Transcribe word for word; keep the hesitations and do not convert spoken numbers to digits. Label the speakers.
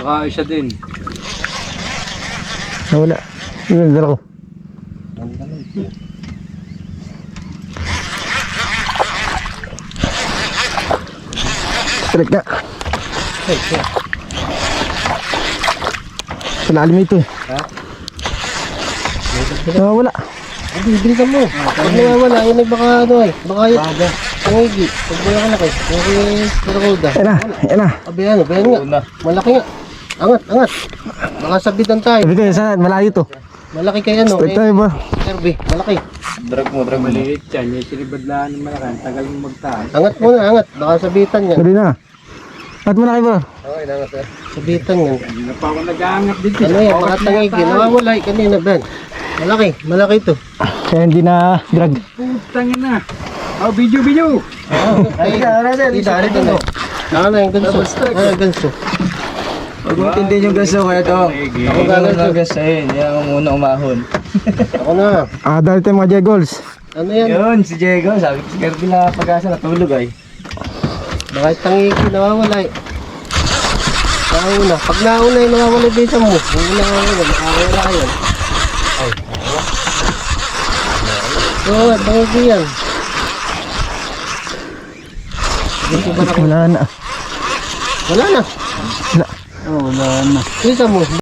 Speaker 1: Nakaisa din.
Speaker 2: Nawala. Yun, dala ko. Strike na. Sa lalim ito eh.
Speaker 3: Ha?
Speaker 2: Nawawala.
Speaker 3: Hindi, bilisan mo. Pag nawawala, yun ay baka ano eh. Baka yun. Pangigi. Pag wala ka na kayo. Okay, karakuda.
Speaker 2: Ayan na, ayan na.
Speaker 3: Abi ano, bayan nga. Malaki nga. Angat, angat. Baka sabitan tayo.
Speaker 2: Sabi ko, saan? Malayo to.
Speaker 3: Malaki kayo ano.
Speaker 2: Strike
Speaker 3: Eh,
Speaker 2: tayo ba?
Speaker 3: Kirby, malaki.
Speaker 1: Drag mo, drag mo. Maliit yan. Yung sinibadlaan ng malakan. Tagal mo magtaan.
Speaker 3: Angat muna, angat. Baka sabitan yan.
Speaker 2: Dali na. At mo na kayo ba?
Speaker 3: Okay, angat eh. Sabitan yan.
Speaker 1: Hindi na pa ako nag-aangat dito.
Speaker 3: Ano yan, baka tangigi. Nawawala eh, kanina, Ben. Malaki, malaki ito.
Speaker 2: Kaya hindi na drag.
Speaker 1: Putangin na. Oh, video, video.
Speaker 3: Ay, isa rin ito. Ano yung ganso? Ano yung ganso?
Speaker 4: Huwag mo tindihin yung ganso kaya to.
Speaker 3: Ako gaganso.
Speaker 4: Ganso yun, yan ang muna umahon.
Speaker 3: Ako na.
Speaker 2: Ah, dahil tayo mga Jegols.
Speaker 3: Ano yan?
Speaker 4: Yun, si Diego, sabi ko si Kirby na pag-asa natulog ay.
Speaker 3: Baka tangigi, nawawala eh. Nauna. Pag nauna eh, nawawala yung bisa mo. Hindi nawawala, nakawala yan. Ay. Oo, tangigi yan.
Speaker 2: Wala na.
Speaker 3: Wala na.
Speaker 2: Wala.
Speaker 1: Oh, wala na.
Speaker 3: Bisa mo.